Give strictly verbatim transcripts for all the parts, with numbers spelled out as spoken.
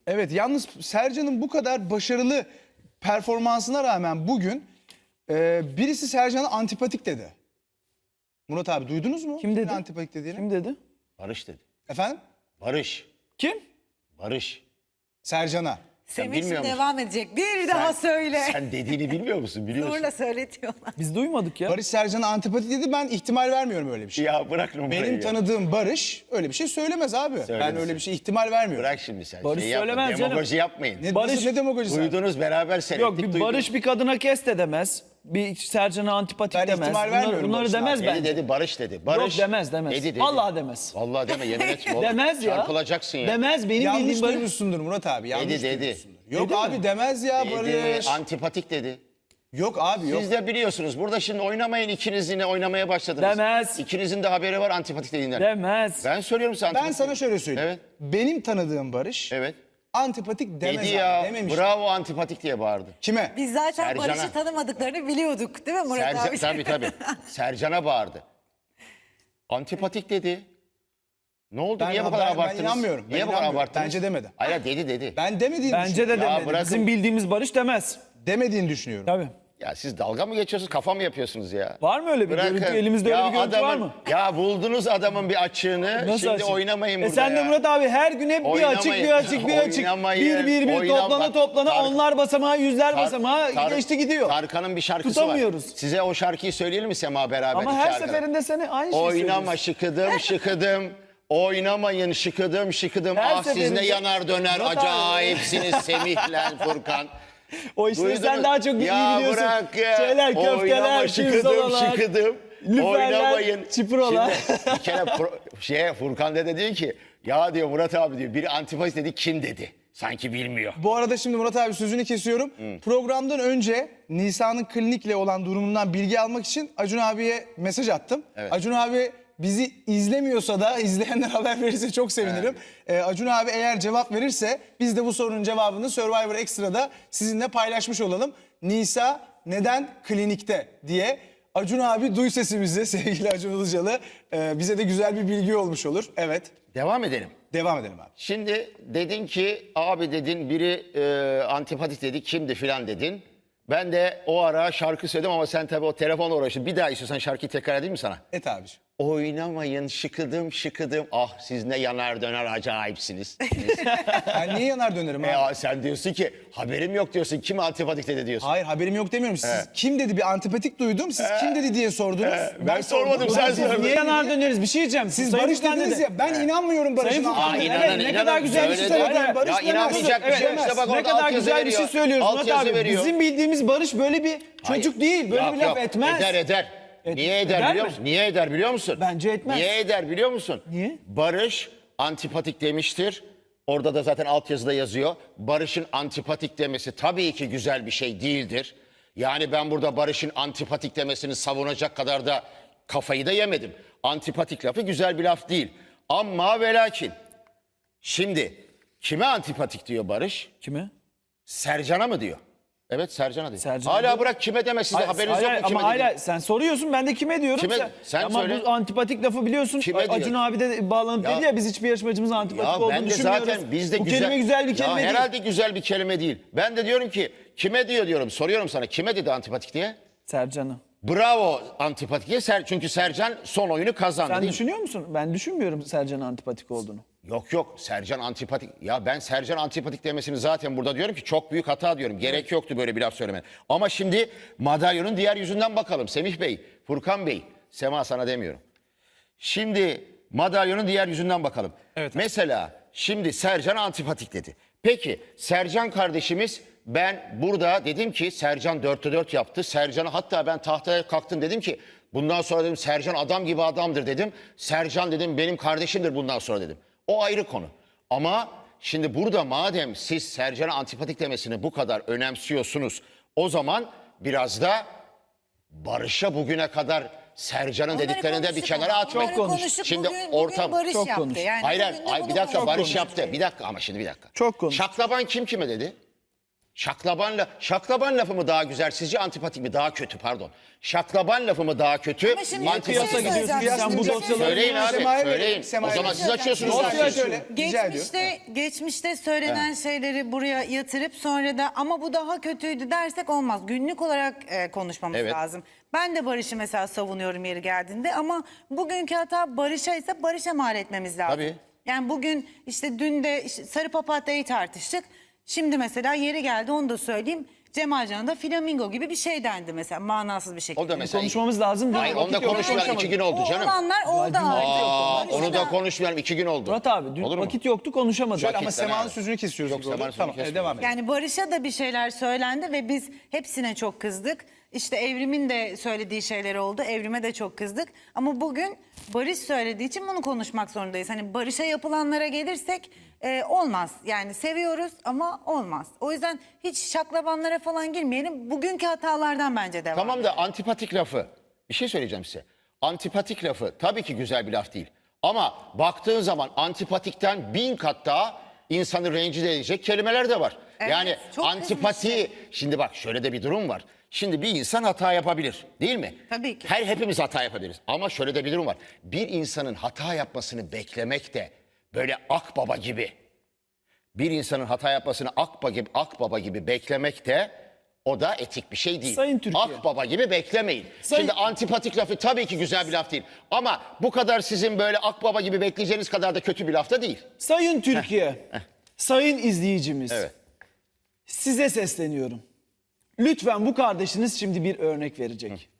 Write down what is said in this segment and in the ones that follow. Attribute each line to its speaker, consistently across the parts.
Speaker 1: Evet, yalnız Sercan'ın bu kadar başarılı performansına rağmen bugün e, birisi Sercan'a antipatik dedi. Murat abi duydunuz mu?
Speaker 2: Kim dedi?
Speaker 1: Kimin antipatik dediğini?
Speaker 2: Kim dedi?
Speaker 3: Barış dedi.
Speaker 1: Efendim?
Speaker 3: Barış.
Speaker 2: Kim?
Speaker 3: Barış.
Speaker 1: Sercan'a.
Speaker 3: Sen
Speaker 4: Semih
Speaker 3: bilmiyor musun?
Speaker 4: devam edecek. Bir daha söyle.
Speaker 3: Sen dediğini bilmiyor musun? Biliyorsun.
Speaker 4: Zorla söyletiyorlar.
Speaker 2: Biz duymadık ya.
Speaker 1: Barış Sercan'a antipatik dedi, ben ihtimal vermiyorum öyle bir şey.
Speaker 3: Ya bırak numarayı
Speaker 1: Benim
Speaker 3: ya.
Speaker 1: tanıdığım Barış öyle bir şey söylemez abi. Ben
Speaker 3: Söylemesin.
Speaker 1: öyle bir şey ihtimal vermiyorum.
Speaker 3: Bırak şimdi sen.
Speaker 2: Barış
Speaker 3: şey yapma,
Speaker 2: söylemez canım.
Speaker 3: Demagoji yapmayın.
Speaker 1: Ne,
Speaker 2: Barış-
Speaker 1: Barış, ne demagojisi?
Speaker 3: Duydunuz beraber seyrettik.
Speaker 2: Yok bir
Speaker 3: duydunuz.
Speaker 2: Barış bir kadına kes de demez. Bir Sercan'a antipatik
Speaker 1: Ben
Speaker 2: demez.
Speaker 1: ihtimal
Speaker 2: Bunları,
Speaker 1: vermiyorum
Speaker 2: bunları
Speaker 1: Barış'ın
Speaker 2: demez
Speaker 3: Dedi
Speaker 2: bence.
Speaker 3: dedi Barış dedi. Barış.
Speaker 2: Yok demez demez.
Speaker 3: Dedi dedi.
Speaker 2: Vallahi demez.
Speaker 3: Vallahi deme yemin etme oğlum.
Speaker 2: Demez ya.
Speaker 3: Çarpılacaksın ya.
Speaker 2: Demez benim
Speaker 1: Yanlış
Speaker 2: bildiğim Barış.
Speaker 1: duymuşsundur Murat abi. Yanlış
Speaker 3: Dedi, dedi.
Speaker 1: duymuşsundur. Yok
Speaker 2: Dedi
Speaker 1: abi
Speaker 2: mi?
Speaker 1: demez ya
Speaker 3: Dedi,
Speaker 1: Barış.
Speaker 3: antipatik dedi.
Speaker 1: Yok abi yok.
Speaker 3: Siz de biliyorsunuz. Burada şimdi oynamayın, ikiniz yine oynamaya başladınız.
Speaker 2: Demez.
Speaker 3: İkinizin de haberi var antipatik dediğinden.
Speaker 2: Demez.
Speaker 3: Ben söylüyorum sana
Speaker 1: Ben
Speaker 3: antipatik.
Speaker 1: sana şöyle söyleyeyim.
Speaker 3: Evet.
Speaker 1: Benim tanıdığım Barış
Speaker 3: Evet.
Speaker 1: antipatik demez
Speaker 3: Dedi
Speaker 1: abi,
Speaker 3: ya.
Speaker 1: dememiş.
Speaker 3: Bravo antipatik diye bağırdı.
Speaker 1: Kime?
Speaker 4: Biz zaten
Speaker 3: Sercan'a.
Speaker 4: Barış'ı tanımadıklarını biliyorduk değil mi Murat
Speaker 3: Sercan,
Speaker 4: abi?
Speaker 3: tabii tabii. Sercan'a bağırdı. Antipatik dedi. Ne oldu?
Speaker 1: Ben-
Speaker 3: Niye bu
Speaker 1: ben-
Speaker 3: kadar
Speaker 1: ben
Speaker 3: abarttınız?
Speaker 1: inanmıyorum. Ben
Speaker 3: Niye bu kadar
Speaker 1: inanmıyorum.
Speaker 3: abarttınız?
Speaker 1: Bence demedi.
Speaker 3: Hayır dedi dedi.
Speaker 1: Ben demediğini
Speaker 2: Bence de
Speaker 1: düşünüyorum.
Speaker 2: demedi.
Speaker 3: bırakın.
Speaker 2: Bizim bildiğimiz Barış demez.
Speaker 1: Demediğini düşünüyorum.
Speaker 2: Tabii.
Speaker 3: Ya siz dalga mı geçiyorsunuz? Kafa mı yapıyorsunuz ya?
Speaker 2: Var mı öyle bir
Speaker 3: Bırakın.
Speaker 2: görüntü? Elimizde öyle
Speaker 3: Ya
Speaker 2: bir görüntü var
Speaker 3: adamın-
Speaker 2: mı?
Speaker 3: Ya buldunuz adamın bir açığını.
Speaker 2: Nasıl
Speaker 3: Şimdi
Speaker 2: açık?
Speaker 3: oynamayın
Speaker 2: e
Speaker 3: burada
Speaker 2: sen de
Speaker 3: ya.
Speaker 2: Murat abi her gün hep bir
Speaker 3: Oynamayın.
Speaker 2: açık bir açık bir açık.
Speaker 3: Oynamayın.
Speaker 2: Bir bir bir
Speaker 3: Oynam-
Speaker 2: toplana
Speaker 3: bak,
Speaker 2: toplana
Speaker 3: Tar-
Speaker 2: onlar basamağı yüzler
Speaker 3: Tar-
Speaker 2: basamağı
Speaker 3: Tar-
Speaker 2: geçti gidiyor.
Speaker 3: Tarkan'ın bir şarkısı
Speaker 2: Tutamıyoruz.
Speaker 3: var. Size o şarkıyı söyleyelim mi Sema beraber?
Speaker 2: Ama
Speaker 3: iki
Speaker 2: her
Speaker 3: arkadaş?
Speaker 2: seferinde seni aynı şeyi
Speaker 3: Oynama
Speaker 2: söylüyorsun.
Speaker 3: şıkıdım şıkıdım. Oynamayın şıkıdım şıkıdım.
Speaker 2: Her
Speaker 3: Ah siz ne
Speaker 2: seferinde-
Speaker 3: yanar döner
Speaker 2: Murat abi.
Speaker 3: acayipsiniz Semih'le Furkan.
Speaker 2: O işleri
Speaker 3: Duydunuz?
Speaker 2: sen daha çok iyi
Speaker 3: ya
Speaker 2: biliyorsun.
Speaker 3: Bırak ya.
Speaker 2: Şeyler, köfteler,
Speaker 3: Oynama şıkıdım
Speaker 2: pirzolalar,
Speaker 3: şıkıdım.
Speaker 2: lüferler,
Speaker 3: Oynamayın.
Speaker 2: çiprolar.
Speaker 3: Şimdi bir kere pro, şeye, Furkan dede diyor ki ya diyor Murat abi diyor biri antipatik dedi kim dedi? Sanki bilmiyor.
Speaker 1: Bu arada şimdi Murat abi sözünü kesiyorum. Programdan önce Nisa'nın klinikle olan durumundan bilgi almak için Acun abiye mesaj attım.
Speaker 3: Evet.
Speaker 1: Acun abi bizi izlemiyorsa da izleyenler haber verirse çok sevinirim. Ee, Acun abi eğer cevap verirse biz de bu sorunun cevabını Survivor Extra'da sizinle paylaşmış olalım. Nisa neden klinikte diye. Acun abi duy sesimizi sevgili Acun Ilıcalı. Ee, bize de güzel bir bilgi olmuş olur. Evet.
Speaker 3: Devam edelim.
Speaker 1: Devam edelim abi.
Speaker 3: Şimdi dedin ki abi dedin biri e, antipatik dedi kimdi filan dedin. Ben de o ara şarkı söyledim ama sen tabii o telefonla uğraştın. Bir daha istiyorsan şarkıyı tekrar edeyim mi sana?
Speaker 1: Et abiciğim.
Speaker 3: Oynamayın şıkıdım şıkıdım. Ah siz ne yanar döner acayipsiniz.
Speaker 1: Ben niye yanar dönerim abi?
Speaker 3: e, sen diyorsun ki haberim yok diyorsun. Kim antipatik dedi diyorsun.
Speaker 1: Hayır haberim yok demiyorum. Siz kim dedi bir antipatik duydum. Siz kim dedi diye sordunuz.
Speaker 3: ben sormadım, sen
Speaker 1: Siz
Speaker 3: söyledin.
Speaker 1: niye
Speaker 2: Niye yanar döneriz bir şey diyeceğim.
Speaker 1: Siz
Speaker 2: Sayın
Speaker 1: Barış
Speaker 2: Furkan
Speaker 1: dediniz
Speaker 2: dedi.
Speaker 1: ya. Ben inanmıyorum Barış'ın
Speaker 2: Sayın Furkan,
Speaker 1: antipatik.
Speaker 3: Aa,
Speaker 2: evet,
Speaker 3: inanan,
Speaker 2: ne
Speaker 3: inanan,
Speaker 2: kadar güzel bir şey
Speaker 3: söyledi.
Speaker 2: söyledin.
Speaker 1: Barış
Speaker 3: Ya
Speaker 1: demez.
Speaker 3: inanmayacak bir şey
Speaker 1: Evet,
Speaker 3: işte bak
Speaker 2: Ne
Speaker 3: orada
Speaker 2: kadar
Speaker 3: altyazı
Speaker 2: güzel bir şey
Speaker 3: veriyor.
Speaker 2: söylüyorsun Murat
Speaker 3: Altyazı
Speaker 2: abi.
Speaker 3: veriyor.
Speaker 2: Bizim bildiğimiz Barış böyle bir çocuk
Speaker 3: Hayır.
Speaker 2: değil. Böyle
Speaker 3: Yok,
Speaker 2: bir laf
Speaker 3: yok.
Speaker 2: etmez.
Speaker 3: Eder eder.
Speaker 2: Et-
Speaker 3: Niye eder,
Speaker 2: eder
Speaker 3: biliyor
Speaker 2: mi?
Speaker 3: musun? Niye eder biliyor musun?
Speaker 2: Bence etmez.
Speaker 3: Niye eder biliyor musun?
Speaker 2: Niye?
Speaker 3: Barış antipatik demiştir. Orada da zaten altyazıda yazıyor. Barış'ın antipatik demesi tabii ki güzel bir şey değildir. Yani ben burada Barış'ın antipatik demesini savunacak kadar da kafayı da yemedim. Antipatik lafı güzel bir laf değil. Ama ve lakin şimdi kime antipatik diyor Barış?
Speaker 2: Kime?
Speaker 3: Sercan'a mı diyor? Evet Sercan'a diyor.
Speaker 2: Sercan'a
Speaker 3: Hala
Speaker 2: diyor.
Speaker 3: bırak kime deme size
Speaker 2: Hayır,
Speaker 3: haberiniz
Speaker 2: hayır,
Speaker 3: yok mu kime
Speaker 2: ama
Speaker 3: dediğini?
Speaker 2: hala sen soruyorsun ben de kime diyorum.
Speaker 3: Kime- sen
Speaker 2: ama
Speaker 3: söyle.
Speaker 2: bu antipatik lafı biliyorsun.
Speaker 3: Kime
Speaker 2: Acun
Speaker 3: diyor?
Speaker 2: abi de bağlanıp
Speaker 3: Ya-
Speaker 2: dedi ya biz hiçbir yarışmacımızın antipatik
Speaker 3: Ya
Speaker 2: olduğunu
Speaker 3: ben de
Speaker 2: düşünmüyoruz.
Speaker 3: zaten bizde
Speaker 2: bu
Speaker 3: güzel...
Speaker 2: kelime güzel bir kelime
Speaker 3: ya
Speaker 2: değil.
Speaker 3: herhalde güzel bir kelime değil. Ben de diyorum ki kime diyor diyorum soruyorum sana kime dedi antipatik diye?
Speaker 2: Sercan'ı.
Speaker 3: Bravo antipatik diye Ser, çünkü Sercan son oyunu kazandı
Speaker 2: Sen
Speaker 3: değil mi?
Speaker 2: düşünüyor musun? Ben düşünmüyorum Sercan'ın antipatik olduğunu.
Speaker 3: Yok yok Sercan antipatik. Ya ben Sercan antipatik demesini zaten burada diyorum ki çok büyük hata diyorum. Gerek yoktu böyle bir laf söylemen. Ama şimdi madalyonun diğer yüzünden bakalım. Semih Bey, Furkan Bey, Sema sana demiyorum. Şimdi madalyonun diğer yüzünden bakalım.
Speaker 2: Evet.
Speaker 3: Mesela şimdi Sercan antipatik dedi. Peki Sercan kardeşimiz ben burada dedim ki Sercan dörtte dört yaptı. Sercan'a hatta ben tahtaya kalktım dedim ki bundan sonra dedim Sercan adam gibi adamdır dedim. Sercan dedim benim kardeşimdir bundan sonra dedim. O ayrı konu. Ama şimdi burada madem siz Sercan'a antipatik demesini bu kadar önemsiyorsunuz o zaman biraz da Barış'a bugüne kadar Sercan'ın
Speaker 4: Onları
Speaker 3: dediklerini de bir
Speaker 4: konuştuk
Speaker 3: kenara
Speaker 4: ama.
Speaker 3: atmayın.
Speaker 4: Onları
Speaker 2: konuş.
Speaker 4: konuştuk.
Speaker 3: Şimdi
Speaker 4: bugün,
Speaker 3: ortam-
Speaker 4: bugün Barış
Speaker 2: Çok
Speaker 4: yaptı.
Speaker 2: konuş.
Speaker 4: Yani
Speaker 3: Hayır,
Speaker 4: bugün de
Speaker 3: hayır
Speaker 4: bunu
Speaker 3: bir dakika
Speaker 4: konuştuk.
Speaker 3: Barış
Speaker 2: konuş.
Speaker 3: yaptı. Bir dakika ama şimdi bir dakika.
Speaker 2: Çok konuş.
Speaker 3: Şaklaban kim kime dedi? Şaklaban, la- şaklaban lafı mı daha güzel sizce, antipatik mi daha kötü, pardon. Şaklaban lafı mı daha kötü,
Speaker 4: Ama şimdi
Speaker 3: antipatik
Speaker 4: bir şey
Speaker 3: mi?
Speaker 2: gidiyorsun
Speaker 4: söyleyeceğim.
Speaker 2: sen bu
Speaker 4: Şimdi-
Speaker 2: dosyaları-
Speaker 3: Söyleyin abi,
Speaker 1: Sema'ya
Speaker 3: söyleyin.
Speaker 1: verelim, Sema'ya
Speaker 3: O zaman
Speaker 1: verelim.
Speaker 3: siz açıyorsunuz.
Speaker 1: Dosya
Speaker 3: zaten.
Speaker 1: şöyle. Rica ediyorum.
Speaker 4: Geçmişte, geçmişte söylenen şeyleri buraya yatırıp sonra da ama bu daha kötüydü dersek olmaz. Günlük olarak e, konuşmamız
Speaker 3: Evet.
Speaker 4: lazım. Ben de Barış'ı mesela savunuyorum yeri geldiğinde ama bugünkü hata Barış'a ise Barış'a mal etmemiz lazım.
Speaker 3: Tabii.
Speaker 4: Yani bugün işte dün de işte sarı papatyayı tartıştık. Şimdi mesela yeri geldi onu da söyleyeyim. Cemalcan'a da flamingo gibi bir şey dendi mesela manasız bir şekilde.
Speaker 3: O da mesela...
Speaker 2: Konuşmamız lazım.
Speaker 3: Hayır,
Speaker 2: Vakit
Speaker 3: onu da
Speaker 2: yok,
Speaker 3: konuşmayalım.
Speaker 2: konuşamadık.
Speaker 3: iki gün oldu
Speaker 4: O
Speaker 3: canım.
Speaker 4: olanlar oldu
Speaker 3: Aa,
Speaker 4: artık.
Speaker 3: onu da konuşmayalım. iki gün oldu.
Speaker 2: Murat abi dün
Speaker 3: Olur mu?
Speaker 2: vakit yoktu konuşamadık.
Speaker 1: Şöyle ama
Speaker 3: Vakitten
Speaker 1: Sema'nın
Speaker 3: abi.
Speaker 1: sözünü kesiyoruz.
Speaker 3: Yok,
Speaker 1: gibi oldu.
Speaker 3: Sema'nın sözünü
Speaker 1: Tamam, evet,
Speaker 3: kesmiyoruz.
Speaker 1: devam edelim.
Speaker 4: Yani Barış'a da bir şeyler söylendi ve biz hepsine çok kızdık. İşte Evrim'in de söylediği şeyler oldu. Evrim'e de çok kızdık. Ama bugün Barış söylediği için bunu konuşmak zorundayız. Hani Barış'a yapılanlara gelirsek e, olmaz. Yani seviyoruz ama olmaz. O yüzden hiç şaklabanlara falan girmeyelim. Bugünkü hatalardan bence devam.
Speaker 3: Tamam da antipatik lafı, bir şey söyleyeceğim size. Antipatik lafı tabii ki güzel bir laf değil. Ama baktığın zaman antipatikten bin kat daha insanı rencide edecek kelimeler de var.
Speaker 4: Evet,
Speaker 3: yani
Speaker 4: çok
Speaker 3: antipati, şimdi bak şöyle de bir durum var. Şimdi bir insan hata yapabilir, değil mi?
Speaker 4: Tabii ki.
Speaker 3: Her hepimiz hata yapabiliriz. Ama şöyle de bir durum var. Bir insanın hata yapmasını beklemek de böyle akbaba gibi, bir insanın hata yapmasını akbaba gibi, akbaba gibi beklemek de o da etik bir şey değil.
Speaker 2: Sayın Türkiye.
Speaker 3: Akbaba gibi beklemeyin.
Speaker 2: Sayın-
Speaker 3: Şimdi antipatik lafı tabii ki güzel bir laf değil. Ama bu kadar sizin böyle akbaba gibi bekleyeceğiniz kadar da kötü bir laf da değil.
Speaker 2: Sayın Türkiye, sayın izleyicimiz,
Speaker 3: Evet.
Speaker 2: size sesleniyorum. Lütfen bu kardeşiniz şimdi bir örnek verecek.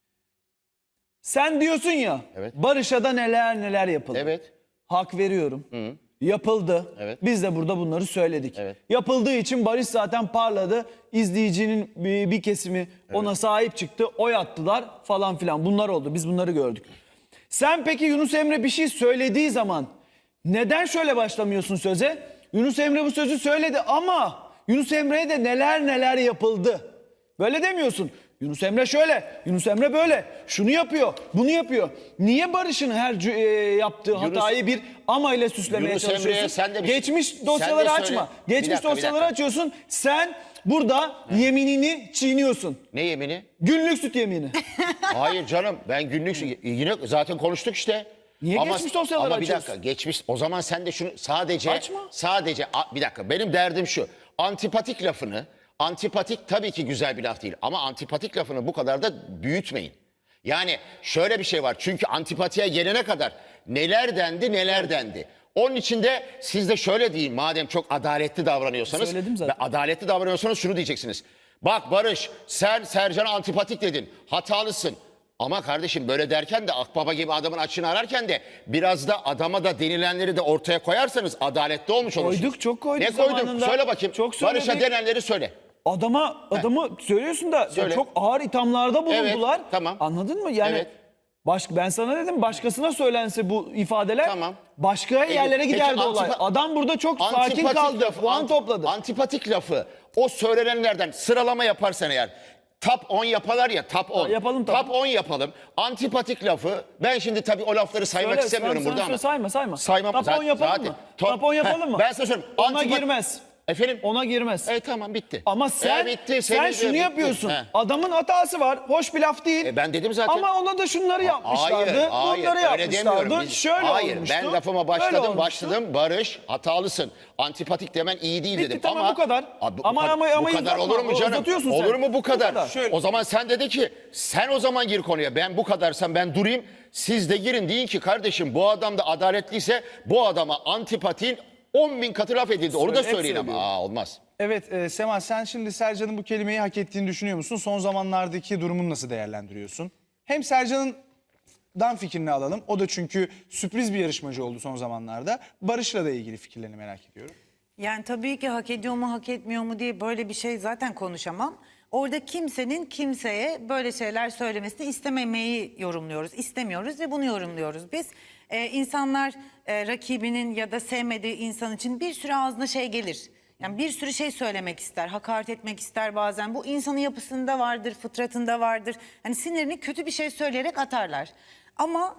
Speaker 2: Sen diyorsun ya,
Speaker 3: Evet.
Speaker 2: Barış'a da neler neler yapıldı.
Speaker 3: Evet.
Speaker 2: Hak veriyorum. Yapıldı.
Speaker 3: Evet.
Speaker 2: Biz de burada bunları söyledik.
Speaker 3: Evet.
Speaker 2: Yapıldığı için Barış zaten parladı. İzleyicinin bir, bir kesimi ona sahip çıktı. Oy attılar falan filan. Bunlar oldu. Biz bunları gördük. Sen peki Yunus Emre bir şey söylediği zaman neden şöyle başlamıyorsun söze? Yunus Emre bu sözü söyledi ama Yunus Emre'ye de neler neler yapıldı. Böyle demiyorsun. Yunus Emre şöyle, Yunus Emre böyle. Şunu yapıyor, bunu yapıyor. Niye Barış'ın her cü- e, yaptığı hatayı bir ama ile süslemeye
Speaker 3: Yunus
Speaker 2: çalışıyorsun?
Speaker 3: Emre'ye sen de bir şey-
Speaker 2: Geçmiş
Speaker 3: sen de
Speaker 2: dosyaları
Speaker 3: söyle.
Speaker 2: açma.
Speaker 3: Bir
Speaker 2: Geçmiş
Speaker 3: dakika, bir
Speaker 2: dosyaları
Speaker 3: dakika.
Speaker 2: açıyorsun. Sen burada yeminini çiğniyorsun.
Speaker 3: Ne yemini?
Speaker 2: Günlük süt yemini.
Speaker 3: Hayır canım, ben günlük yine zaten konuştuk işte.
Speaker 2: Niye geçmiş dosyaları
Speaker 3: Ama bir dakika,
Speaker 2: açıyorsun?
Speaker 3: geçmiş, o zaman sen de şunu sadece
Speaker 2: Açma.
Speaker 3: sadece a- bir dakika, benim derdim şu. Antipatik lafını, antipatik tabii ki güzel bir laf değil ama antipatik lafını bu kadar da büyütmeyin. Yani şöyle bir şey var, çünkü antipatiye gelene kadar neler dendi neler dendi. Onun için de siz de şöyle deyin, madem çok adaletli davranıyorsanız.
Speaker 2: Söyledim zaten.
Speaker 3: ve adaletli davranıyorsanız şunu diyeceksiniz. Bak Barış, sen Sercan'a antipatik dedin, hatalısın. Ama kardeşim böyle derken de akbaba gibi adamın açığını ararken de biraz da adama da denilenleri de ortaya koyarsanız adaletli olmuş olursunuz.
Speaker 2: Koyduk, çok koyduk
Speaker 3: Ne koyduk?
Speaker 2: zamanında.
Speaker 3: Söyle bakayım.
Speaker 2: Çok söyledik.
Speaker 3: Barış'a denenleri söyle.
Speaker 2: Adama adamı söylüyorsun da ya
Speaker 3: Söyle.
Speaker 2: çok ağır ithamlarda bulundular.
Speaker 3: Evet, tamam.
Speaker 2: Anladın mı? Yani
Speaker 3: Evet.
Speaker 2: baş, ben sana dedim başkasına söylense bu ifadeler
Speaker 3: Tamam.
Speaker 2: başka yerlere
Speaker 3: Peki,
Speaker 2: giderdi
Speaker 3: antipa-
Speaker 2: olay. Adam burada çok sakin
Speaker 3: Antipatik
Speaker 2: kaldı.
Speaker 3: lafı,
Speaker 2: Puan
Speaker 3: ant-
Speaker 2: topladı.
Speaker 3: Antipatik lafı o söylenenlerden sıralama yaparsan eğer top on yaparlar ya, top on.
Speaker 2: yapalım tabii.
Speaker 3: Top on yapalım. Antipatik lafı, ben şimdi tabii o lafları saymak
Speaker 2: Söyle,
Speaker 3: istemiyorum
Speaker 2: sen-
Speaker 3: burada
Speaker 2: sen
Speaker 3: ama.
Speaker 2: sayma, sayma.
Speaker 3: Saymam.
Speaker 2: Top on
Speaker 3: zaten-
Speaker 2: yapalım
Speaker 3: zaten-
Speaker 2: mı?
Speaker 3: Top-
Speaker 2: Top on yapalım
Speaker 3: Heh,
Speaker 2: mı?
Speaker 3: Ben size söyleyeyim.
Speaker 2: Ona
Speaker 3: Antipat-
Speaker 2: girmez.
Speaker 3: Efendim?
Speaker 2: Ona girmez.
Speaker 3: E tamam, bitti.
Speaker 2: Ama sen
Speaker 3: E, bitti,
Speaker 2: sen
Speaker 3: senin-
Speaker 2: şunu
Speaker 3: bitti.
Speaker 2: yapıyorsun.
Speaker 3: He.
Speaker 2: Adamın hatası var. Hoş bir laf değil.
Speaker 3: E, ben dedim zaten.
Speaker 2: Ama ona da şunları yapmışlardı.
Speaker 3: Hayır, hayır,
Speaker 2: bunları
Speaker 3: öyle demiyorum.
Speaker 2: yapmışlardı.
Speaker 3: Biz-
Speaker 2: Şöyle
Speaker 3: hayır,
Speaker 2: olmuştu.
Speaker 3: ben lafıma
Speaker 2: böyle
Speaker 3: başladım,
Speaker 2: olmuştu.
Speaker 3: başladım. Barış, hatalısın. Antipatik demen iyi değil
Speaker 2: Bitti,
Speaker 3: dedim.
Speaker 2: tamam,
Speaker 3: ama
Speaker 2: bu kadar.
Speaker 3: Abi, bu
Speaker 2: Ama-
Speaker 3: kadar-
Speaker 2: ama- ama
Speaker 3: bu kadar
Speaker 2: uzatma,
Speaker 3: olur mu canım?
Speaker 2: uzatıyorsun sen.
Speaker 3: Olur mu bu kadar?
Speaker 2: Bu kadar.
Speaker 1: Şöyle.
Speaker 3: O zaman sen dedi ki sen o zaman gir konuya. Ben bu kadarsam ben durayım. Siz de girin, deyin ki kardeşim bu adam da adaletliyse bu adama antipatiğin on bin katı laf edildi. Onu da
Speaker 2: Söyle, hep
Speaker 3: söyleyin ama.
Speaker 2: söylüyorum.
Speaker 3: Aa, olmaz.
Speaker 1: Evet e, Sema, sen şimdi Sercan'ın bu kelimeyi hak ettiğini düşünüyor musun? Son zamanlardaki durumunu nasıl değerlendiriyorsun? Hem Sercan'dan fikrini alalım. O da çünkü sürpriz bir yarışmacı oldu son zamanlarda. Barış'la da ilgili fikirlerini merak ediyorum.
Speaker 4: Yani tabii ki hak ediyor mu hak etmiyor mu diye böyle bir şey zaten konuşamam. Orada kimsenin kimseye böyle şeyler söylemesini istememeyi yorumluyoruz. İstemiyoruz ve bunu yorumluyoruz biz. Ee, insanlar e, rakibinin ya da sevmediği insan için bir sürü ağzına şey gelir. Yani bir sürü şey söylemek ister, hakaret etmek ister bazen. Bu insanın yapısında vardır, fıtratında vardır. Hani sinirini kötü bir şey söyleyerek atarlar. Ama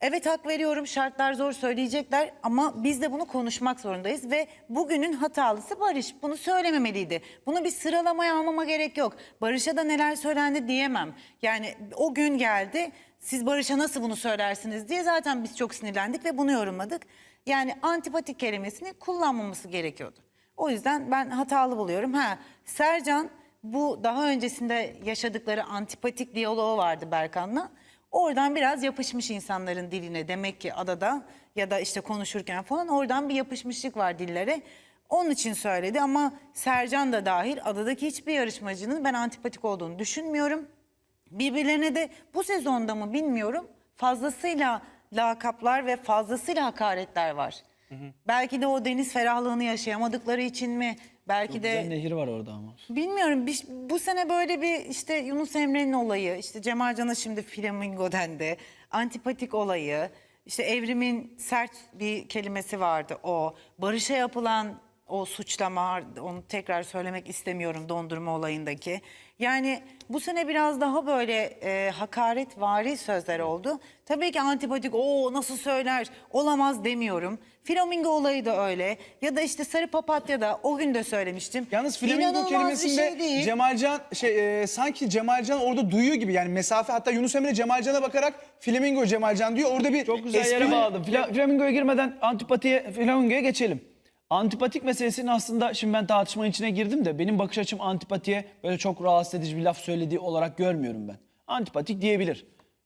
Speaker 4: Evet, hak veriyorum, şartlar zor söyleyecekler ama biz de bunu konuşmak zorundayız ve bugünün hatalısı Barış. Bunu söylememeliydi. Bunu bir sıralamaya almama gerek yok. Barış'a da neler söylendi diyemem. Yani o gün geldi, siz Barış'a nasıl bunu söylersiniz diye zaten biz çok sinirlendik ve bunu yorumladık. Yani antipatik kelimesini kullanmaması gerekiyordu. O yüzden ben hatalı buluyorum. Ha, Sercan bu daha öncesinde yaşadıkları antipatik diyaloğu vardı Berkan'la. Oradan biraz yapışmış insanların diline, demek ki adada ya da işte konuşurken falan oradan bir yapışmışlık var dillere. Onun için söyledi ama Sercan da dahil adadaki hiçbir yarışmacının ben antipatik olduğunu düşünmüyorum. Birbirlerine de bu sezonda mı bilmiyorum, fazlasıyla lakaplar ve fazlasıyla hakaretler var. Hı hı. Belki de o deniz ferahlığını yaşayamadıkları için mi? Belki
Speaker 2: Çok
Speaker 4: de
Speaker 2: güzel nehir var orada ama.
Speaker 4: bilmiyorum, bir- bu sene böyle bir işte Yunus Emre'nin olayı, işte Cemalcan'a şimdi flamingo dendi, antipatik olayı, işte Evrim'in sert bir kelimesi vardı o, Barış'a yapılan o suçlama, onu tekrar söylemek istemiyorum, dondurma olayındaki. Yani bu sene biraz daha böyle e, hakaretvari sözler oldu. Tabii ki antipatik, o nasıl söyler, olamaz demiyorum. Flamingo olayı da öyle. Ya da işte sarı papatya da o gün de söylemiştim.
Speaker 1: Yalnız flamingo
Speaker 4: İnanılmaz bir
Speaker 1: kelimesinde
Speaker 4: şey değil.
Speaker 1: Cemalcan şey e, sanki Cemalcan orada duyuyor gibi, yani mesafe, hatta Yunus Emre Cemalcan'a bakarak flamingo Cemalcan diyor. Orada bir
Speaker 2: Çok güzel
Speaker 1: espri-
Speaker 2: yere bağladım. Fla- Flamingo'ya girmeden antipatiye, flamingoya geçelim. Antipatik meselesinin aslında, şimdi ben tartışmanın içine girdim de benim bakış açım antipatiye böyle çok rahatsız edici bir laf söylediği olarak görmüyorum ben. Antipatik diyebilir.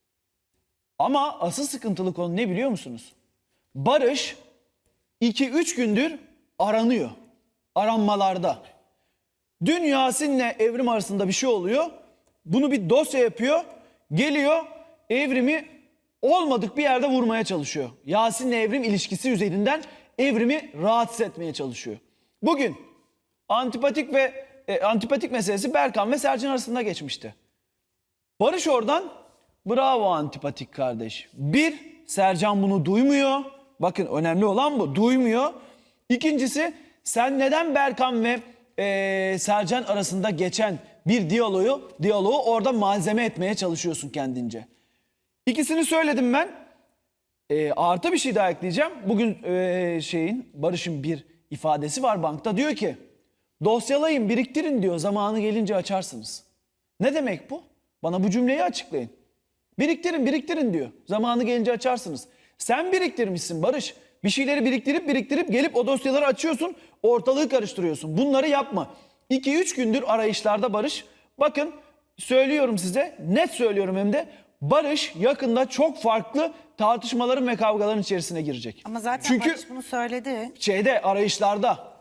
Speaker 2: Ama asıl sıkıntılı konu ne biliyor musunuz? Barış iki üç gündür aranıyor. Aranmalarda. Dün Yasin'le Evrim arasında bir şey oluyor. Bunu bir dosya yapıyor. Geliyor Evrim'i olmadık bir yerde vurmaya çalışıyor. Yasin'le Evrim ilişkisi üzerinden Evrim'i rahatsız etmeye çalışıyor. Bugün antipatik ve e, antipatik meselesi Berkan ve Sercan arasında geçmişti. Barış oradan bravo antipatik kardeş. Bir, Sercan bunu duymuyor. Bakın önemli olan bu. Duymuyor. İkincisi, sen neden Berkan ve e, Sercan arasında geçen bir diyaloğu, diyaloğu orada malzeme etmeye çalışıyorsun kendince. İkisini söyledim ben. E, artı bir şey daha ekleyeceğim. Bugün e, şeyin Barış'ın bir ifadesi var bankta. Diyor ki dosyalayın, biriktirin diyor. Zamanı gelince açarsınız. Ne demek bu? Bana bu cümleyi açıklayın. Biriktirin, biriktirin diyor. Zamanı gelince açarsınız. Sen biriktirmişsin Barış. Bir şeyleri biriktirip biriktirip gelip o dosyaları açıyorsun. Ortalığı karıştırıyorsun. Bunları yapma. iki üç gündür arayışlarda Barış. Bakın söylüyorum size, net söylüyorum hem de. Barış yakında çok farklı tartışmaların ve kavgaların içerisine girecek.
Speaker 4: Ama zaten
Speaker 2: Çünkü
Speaker 4: Barış bunu söyledi.
Speaker 2: şeyde arayışlarda